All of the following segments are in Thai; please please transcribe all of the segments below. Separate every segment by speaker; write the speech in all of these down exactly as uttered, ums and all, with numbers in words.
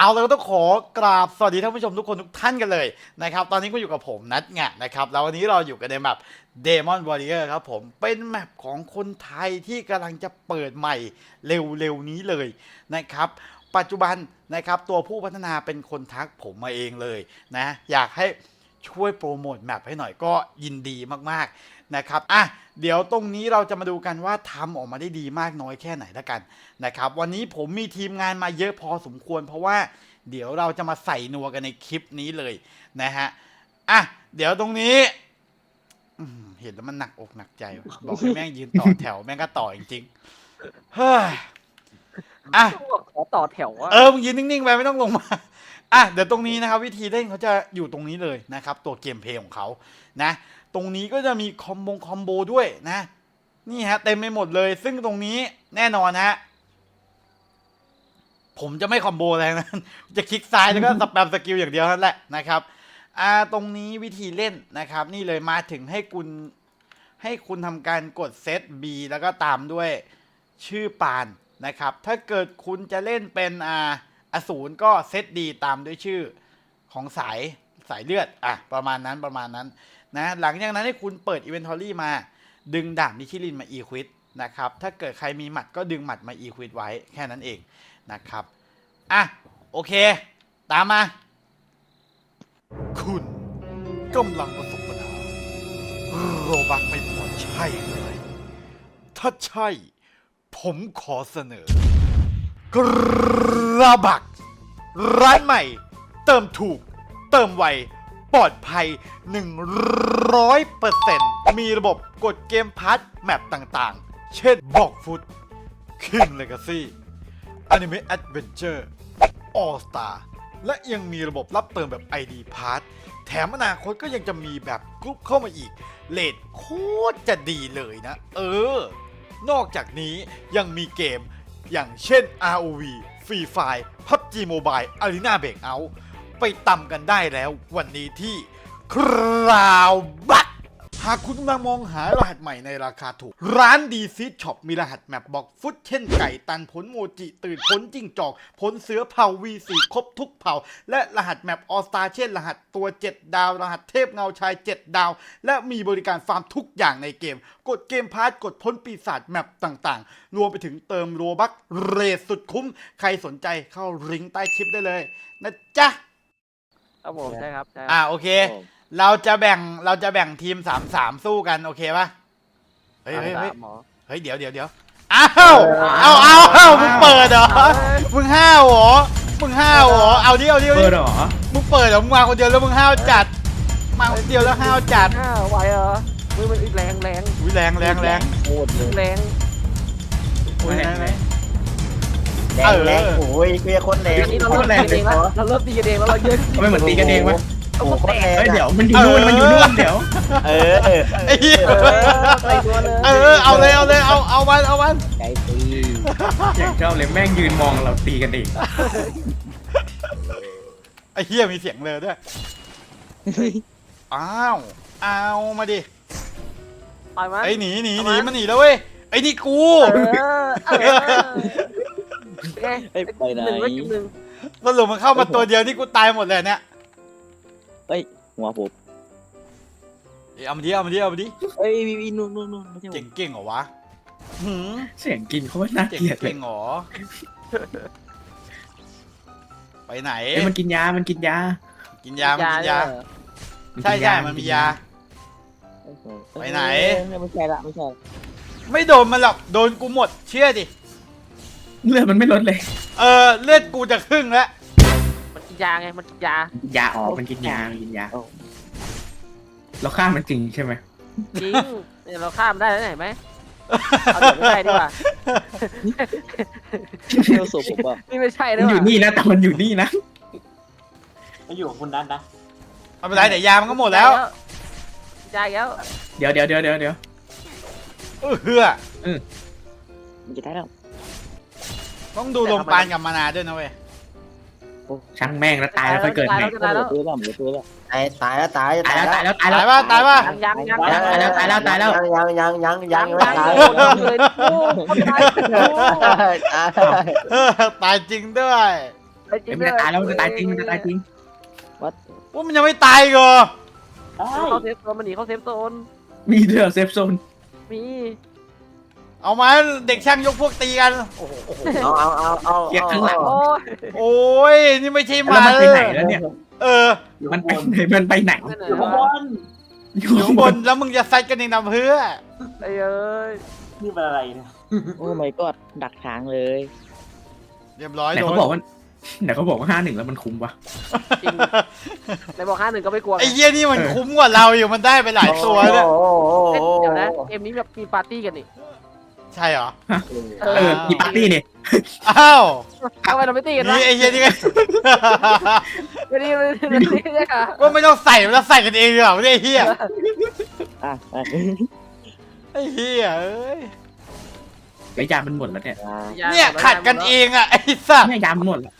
Speaker 1: เอาเลยก็ต้องขอกราบสวัสดีท่านผู้ชมทุกคนทุกท่านกันเลยนะครับตอนนี้ก็อยู่กับผมนัทไงนะครับแล้ววันนี้เราอยู่กันในแมป Demon Warrior ครับผมเป็นแมปของคนไทยที่กำลังจะเปิดใหม่เร็วๆนี้เลยนะครับปัจจุบันนะครับตัวผู้พัฒนาเป็นคนทักผมมาเองเลยนะอยากให้ช่วยโปรโมทแมปให้หน่อยก็ยินดีมากๆนะครับอ่ะเดี๋ยวตรงนี้เราจะมาดูกันว่าทำออกมาได้ดีมากน้อยแค่ไหนละกันนะครับวันนี้ผมมีทีมงานมาเยอะพอสมควรเพราะว่าเดี๋ยวเราจะมาใส่นัวกันในคลิปนี้เลยนะฮะอ่ะเดี๋ยวตรงนี้เห็นแล้วมันหนักอกหนักใจบอกให้แม่งยืนต่อแถวแม่งก็ต่อจริงๆเฮ้ยอ่ะ
Speaker 2: ขอต่อแถวอะ
Speaker 1: เออมึงยืนนิ่งๆไปไม่ต้องลงมาอ่ะเดี๋ยวตรงนี้นะครับวิธีเล่นเขาจะอยู่ตรงนี้เลยนะครับตัวเกมเพลย์ของเขานะตรงนี้ก็จะมีคอมโบคอมโบด้วยนะนี่ฮะเต็มไปหมดเลยซึ่งตรงนี้แน่นอนฮะผมจะไม่คอมโบแรงนะจะคลิกซ้ายแล้วก็สแปมสกิลอย่างเดียวนั่นแหละนะครับอ่าตรงนี้วิธีเล่นนะครับนี่เลยมาถึงให้คุณให้คุณทำการกดเซต B แล้วก็ตามด้วยชื่อปานนะครับถ้าเกิดคุณจะเล่นเป็นอ่าอสูรก็เซต D ตามด้วยชื่อของสายสายเลือดอ่ะประมาณนั้นประมาณนั้นนะหลังจากนั้นให้คุณเปิด Inventory มาดึงดาบนิชิลินมา Equip นะครับถ้าเกิดใครมีหมัดก็ดึงหมัดมา Equip ไว้แค่นั้นเองนะครับอ่ะโอเคตามมาคุณกำลังประสบปัญหาโรบักไม่พอใช่เลยถ้าใช่ผมขอเสนอกระบักร้านใหม่เติมถูกเติมไวปลอดภัย หนึ่งร้อยเปอร์เซ็นต์ มีระบบกดเกมพาร์ทแมปต่างๆเช่นบอกฟุต King Legacy Anime Adventure All Star และยังมีระบบรับเติมแบบ ไอ ดี Pass แถมอนาคตก็ยังจะมีแบบกรุ๊ปเข้ามาอีกเรทโคตรจะดีเลยนะเออนอกจากนี้ยังมีเกมอย่างเช่น อาร์ โอ วี Free Fire พับจี Mobile Arena Breakout ไปตำกันได้แล้ววันนี้ที่คราวบักหากคุณกำลังมองหารหัสใหม่ในราคาถูกร้านดีซีช็อปมีรหัสแมปบอกฟุตเช่นไก่ตันผลโมจิตื่นผลจิ้งจอกผลเสือเผ่า วี โฟร์ ครบทุกเผ่าและรหัสแมปออสตาเช่นรหัสตัวเจ็ดดาวรหัสเทพเงาชายเจ็ดดาวและมีบริการฟาร์มทุกอย่างในเกมกดเกมพาร์ทกดพ้นปีศาจแมปต่างๆรวมไปถึงเติมโรบัคเรทสุดคุ้มใครสนใจเข้าลิงก์ใต้คลิปได้เลยนะจ๊ะ
Speaker 2: ครับผมใช่ครับใช่
Speaker 1: อ่าโอเคเราจะแบ่งเราจะแบ่งทีมสามสามสู้กันโอเคป่ะเฮ้ยเฮ้ยเฮ้ยเฮ้ยเดี๋ยวเดี๋ยวเดี๋ยวอ้าวเอาเอาเอามึงเปิดเหรอมึงห้าวเหรอมึงห้าวเหรอเอาดิเอาดิเอาดิมึงเปิดเหรอมึงมาคนเดียวแล้วมึงห้าวจัดมาคนเดียวแล้วห้าวจัด
Speaker 2: ห้าไหวเหรอมือมันแรงแรง
Speaker 1: อุ้ยแรงแรงแรง
Speaker 3: โคตรเลย
Speaker 2: แรง
Speaker 1: อุ้ยแรงแรง
Speaker 3: แรงแรงโอ้ยเพียคนแรง
Speaker 2: อันนี้เราเริ่มตีกันเองแล้วเราเริ่มตีกันเองแล้วเราเยอะ
Speaker 4: ไม่เหมือนตีกันเองวะ
Speaker 3: โอ้โหโคตรแรง
Speaker 4: เฮ้ยเดี๋ยวมันอยู่นู่นมันอยู่นู่นเดี๋ยว
Speaker 3: เออเออ
Speaker 1: ไอ้เหี้ย
Speaker 2: เออใส่ตัวเลย
Speaker 1: เออเอาเลยเอาเลยเอาเอามันเอามัน
Speaker 3: ใจตี
Speaker 4: อย่างเจ้าเลยแม่งยืนมองเราตีกันเอง
Speaker 1: ไอ้เหี้ยมีเสียงเลยด้วยอ้าวเอามาดิ
Speaker 2: ต่อยมัน
Speaker 1: ไอ้หนีหนีหนีมันหนีแล้วเว้ยไอ้นี่กู
Speaker 2: เออเออ
Speaker 3: ไอ้ไปไหน
Speaker 2: หนึ่งแล้วกินหนึ่ง
Speaker 1: สรุปมันเข้ามาตัวเดียวนี่กูตายหมดเลยเนี่ย
Speaker 3: เฮ้ยหัวผม
Speaker 1: เอามาดิเอามาดิเอามาดิ
Speaker 3: เฮ้ยวีวีนู่นนู่นนู่นไม่ใช่
Speaker 1: เก่งเก่งเหรอวะหืม
Speaker 4: เสียงกินเขาว่าน่า
Speaker 1: เก่ง
Speaker 4: เกลียดเล
Speaker 1: เก่
Speaker 4: ย
Speaker 1: งเหรอไปไหน
Speaker 4: เอ้ยมันกินยามันกินยา
Speaker 1: กินยามันกินยาใช่ใช่มันมียา ไปไหน
Speaker 3: ไม่ใช่ละไม่ใช่
Speaker 1: ไม่โดนมันหรอกโดนกูหมดเชื่อดิ
Speaker 4: เลือดมันไม่ลดเลย
Speaker 1: เออเลือดกูจะครึ่งแล้ว
Speaker 2: มันกินยาไงมันกินยาย
Speaker 4: าอ๋อมันกินยามันกินยาเราฆ่ามันจริงใช่ไหม
Speaker 2: จริงเนี่ยเราข้ามได้แล้วเห็นไหมเอาเดี๋ยวไม่ใช่ดีกว่า
Speaker 3: เที่ยวศพผมป่ะ
Speaker 2: นี่ไม่ใช่
Speaker 4: มั
Speaker 2: ด้วน ย
Speaker 4: อยู่นี่นะแต่มันอยู่นี่นะ
Speaker 5: ไม่อยู่กับคุณนัทนะ
Speaker 1: ไม่เป็นไรเดี๋ยวยามันก็หมดแล้ว
Speaker 2: ยาอีกแล้ว
Speaker 4: เดี๋ยวเดี๋ยวเดี๋ยวเดี๋ยวเดี๋ยว
Speaker 1: เออเฮือ
Speaker 3: มันจะได้แล้ว
Speaker 1: ต้องดูลมปานกับมานาด้วยนะเว้ย
Speaker 4: ช่างแม่งแล้วตายแล้วค่อยเกิดใหม่
Speaker 2: ตายแล้ว
Speaker 3: ตัวแล้วตัวแล้วตายตายแล้วตาย
Speaker 4: ตายแล้วตายแล้วตาย
Speaker 1: ตา
Speaker 4: แล้ว
Speaker 1: ยป่ะตายป่ะ
Speaker 2: ยังยังยัง
Speaker 4: ตายแล้วตายแล้วตายแล้ว
Speaker 3: ยังยังยังยังยังไม่ตาย
Speaker 2: เลยโอ้คนตาย
Speaker 1: เออตายจริงด้วย
Speaker 2: ไอ้จริ
Speaker 4: เอ้ย
Speaker 2: ง
Speaker 4: มันจะตายแล้วมันจะตายจริงมันจะตายจริง
Speaker 1: ว่ามันยังไม่ตายอีกเหรอ
Speaker 5: ได้
Speaker 2: เขาเซฟโซนมันหนีเขาเซฟโซน
Speaker 4: มีเดือเซฟโซน
Speaker 2: มี
Speaker 1: เอามาเด็กช่างยกพวกตีกัน โอ้โหโอ้โห
Speaker 3: เอาเอาเอาเอา
Speaker 4: เกียร์ข้างหลัง
Speaker 2: โอ้ย
Speaker 1: โอ้ย นี่ไม่ใช่ห
Speaker 4: แล้ว
Speaker 1: มา
Speaker 4: มันไปไหนแล้วเนี่ย
Speaker 1: เออ
Speaker 5: อยู่
Speaker 4: มัน
Speaker 5: ข้าง
Speaker 4: ไป
Speaker 5: บน
Speaker 4: ไหนมันไปไหน
Speaker 2: นั่นไหน
Speaker 5: อยู่ข้างบ
Speaker 2: วะ
Speaker 5: น
Speaker 4: อยู่
Speaker 1: อยู่ข้างบนแล้วมึงจะซัดกันเองนำเพื่อ
Speaker 2: ไอ้เอ้ย
Speaker 5: นี่เป็นอะไรเนี่ย
Speaker 3: โอ้ my god ดักทางเลย
Speaker 1: เรียบร้อย
Speaker 4: ไหน
Speaker 1: โด
Speaker 4: เขา
Speaker 1: น
Speaker 4: บอกว่าไหนเขาบอกว่าห้าหนึ่งแล้วมันคุ้มวะ
Speaker 2: จริงในบอกห้าหนึ่งก็ไม่กลัวไง
Speaker 1: ไอ้เหี้ยนี่มันคุ้มกว่าเราอยู่มันได้ไปหลายตัวเนี่ย
Speaker 3: โอ้โห
Speaker 2: เอ้ยเดี๋ยวนะเกมนี้แบบมีปาร์ตี้กันนี่
Speaker 1: ใช่เหรอ
Speaker 2: เอ
Speaker 4: เออมีปาร์ตี้เนี่ย
Speaker 1: อ้าว
Speaker 2: ทำไมเราไม่ตีกันวะ
Speaker 1: นี่ไอ้เหี้ยนี่ก็
Speaker 2: ไม่ดีไม่ดีไม่ดีใช่ค่ะ
Speaker 1: ว่าไม่ต้องใส่แล้วใส่กันเองดีกว่าไม่ได้ไอ้เหี้ย
Speaker 3: อ่ะอ่ะ
Speaker 1: ไอ้เหี้ยเอ้ย
Speaker 4: ไอ้ยามันหมดแล้วเนี่ย
Speaker 1: เนี่ยขัดกันเองอ่ะไอ้สัส
Speaker 4: เนี่ยยามันหมดแล้ว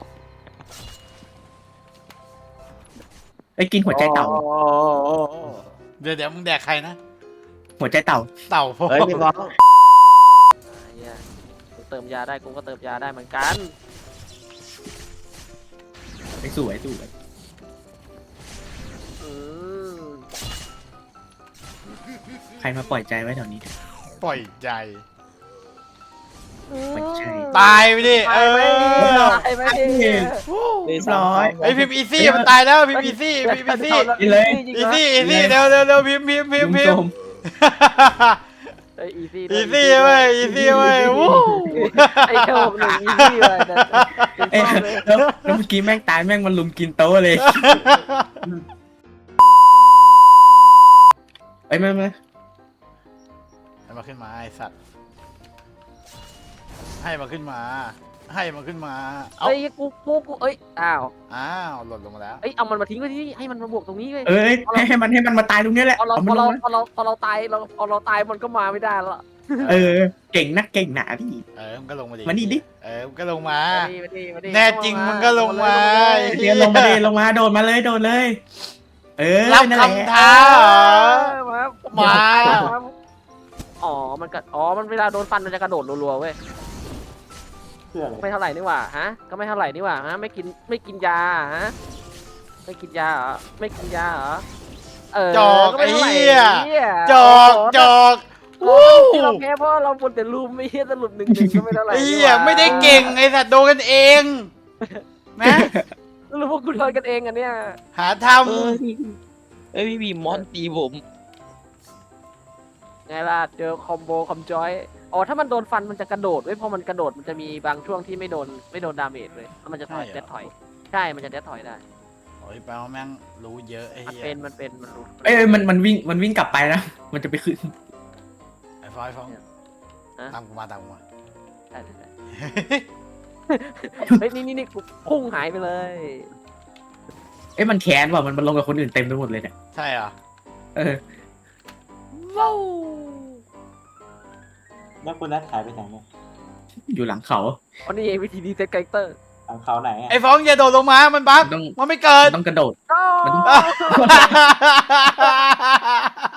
Speaker 4: ไอ้ยกินหัวใจเต่า
Speaker 3: โอ้โห
Speaker 1: เดี๋ยวเดี๋ยวมึงแดกใครนะ
Speaker 4: หัวใจเต่า
Speaker 1: เต่า
Speaker 3: เฮ้ยพี่บอล
Speaker 2: เหี้ยกูเติมยาได้กูก็เติมยาได้เหมือนกัน
Speaker 4: ไอ้สวยสวย
Speaker 2: อืม
Speaker 4: ใครมาปล่อยใจไว้แถวนี้
Speaker 1: ปล่อยใจ
Speaker 4: ไม่ใช่
Speaker 1: ตายไปดิเอ
Speaker 2: ตายไหม
Speaker 1: อ
Speaker 2: ตายไหม
Speaker 4: เรียบร้อย
Speaker 1: ไอ้พิมพ์อีซี่มันตายแล้วพิมพ์อีซี่พิมพ์อีซี่
Speaker 4: นี่เลย
Speaker 1: อีซี่อีซี่เร็วเร็วเร็วพิมพ์พิมพ์พิมพ์พิมพ์
Speaker 2: เอ้ยอีซี่
Speaker 1: อีซี่เว้ยอีซี่เว้ยวู้
Speaker 2: ไอ้โชคหนึ่งอีซี่เลยนะ
Speaker 4: เอ้ยแล้วแล้วเมื่อกี้แม่งตายแม่งมันลุมกินโต๊ะเลยเอ้ยไม่ไม่
Speaker 1: ให้มาขึ้นมาไอ้สัตว์ให้มาขึ้นมา ให้มาขึ้นมาเอา
Speaker 2: เอ้ยกูกูกูเอ้ยอ้าว
Speaker 1: อ้าวหล่นลงมาแล้ว
Speaker 2: เอ้ยเอามันมาทิ้งไว้ที่นี่ให้มันมาบวกตรงนี้เลย
Speaker 4: เอ้ยให้ให้มันให้มันมาตายตรงนี้แหละ
Speaker 2: พอเรา
Speaker 4: เอา
Speaker 2: พ
Speaker 4: มั
Speaker 2: อน
Speaker 4: ล
Speaker 2: เรา
Speaker 4: งมา
Speaker 2: พอเราพอเราตายเราพอเราตายมันก็มาไม่ได้แล้ว
Speaker 4: เออเก่งนักเก่งหนาพี่
Speaker 1: เออมึงก็ลงมาดิ
Speaker 4: มานี่ดิ
Speaker 1: เออมึงก็ลงมา
Speaker 2: มาดิมาดิมาดิ
Speaker 1: แน่จริงมึงก็ลงมา
Speaker 4: เรียนลงมาเลยลงมาโดดมาเลยโดดเลย เออ
Speaker 1: รับ
Speaker 4: นั่นแหละ
Speaker 1: คำท้าเหรอ
Speaker 2: มา
Speaker 1: มา
Speaker 2: อ๋อมันกัดอ๋อมันเวลาโดนฟันมันจะกระโดดรัวๆเว้ย
Speaker 5: เพื่ออะไร
Speaker 2: ไม่เท่าไหร่นี่หว่าฮะก็ไม่เท่าไหร่นี่หว่าฮะไม่กินไม่กินยาฮะไม่กินยาเหรอไม่กินยาเหรอเออ
Speaker 1: จอก
Speaker 2: ไม่
Speaker 1: ไอ้
Speaker 2: ท่าหร่
Speaker 1: เหี้ย
Speaker 2: หี้ย
Speaker 1: จอกจอก
Speaker 2: โอ้
Speaker 1: วู้
Speaker 2: โหที่เราแพ้เพราะเราบนแต่ลูมไม่เฮียสรุปหนึ่งหนึ่งก็ไม่เท่าไหร่
Speaker 1: ไอ้
Speaker 2: นี่
Speaker 1: เหี้ย
Speaker 2: หว่า
Speaker 1: ไม่ได้เก่งไอ้สัตว์โดนกันเองนะ
Speaker 2: สรุปพวกคุณโดนกันเองอันเนี้ย
Speaker 1: หาท
Speaker 3: เอ้ยเอ้ยพี่บีมอนตีผม
Speaker 2: ไงล่ะเจอคอมโบคอมจอยอ๋อถ้ามันโดนฟันมันจะกระโดดเว้ยพอมันกระโดดมันจะมีบางช่วงที่ไม่โดนไม่โดนดาเมจเลยแล้วมันจะถอยเด็ดถอยใช่มันจะเด็ดถอยได้
Speaker 1: ำโอ้ยแปลว่าแม่งรู้เยอะไอ้
Speaker 2: มัน
Speaker 1: เหี้ย
Speaker 2: เป็นมันเป็นมันรู้
Speaker 4: เอ้ยมันมันวิ่งมันวิ่งกลับไปนะมันจะไปขึ้น
Speaker 1: ไอ้ฟอยฟอง
Speaker 2: ฮะ
Speaker 1: ตามกูมาตามกูมา
Speaker 2: ได้ได้ได้เฮ้ยนี่นี่นี่กูพุ่งหายไปเลย
Speaker 4: เอ้ยมันแค้นว่ะมันมันลงกับคนอื่นเต็มไปหมดเลยเนี่ย
Speaker 1: ใช่เหรอ
Speaker 4: เออ
Speaker 2: ว้าว
Speaker 5: แล้วคุณนัทหายไปไหนเนี่ย
Speaker 4: อยู่หลังเขา
Speaker 2: วันนี้เองวิธีดีเซ็ตคาแรคเตอร์
Speaker 5: ทางเขาไหนอะ
Speaker 1: ไอ้ฟองอย่าโดดลงมามันบั๊ก
Speaker 4: มันต้อง
Speaker 1: มันไม่เกิด
Speaker 4: มันต้องกระโดด
Speaker 2: ก็
Speaker 4: มัน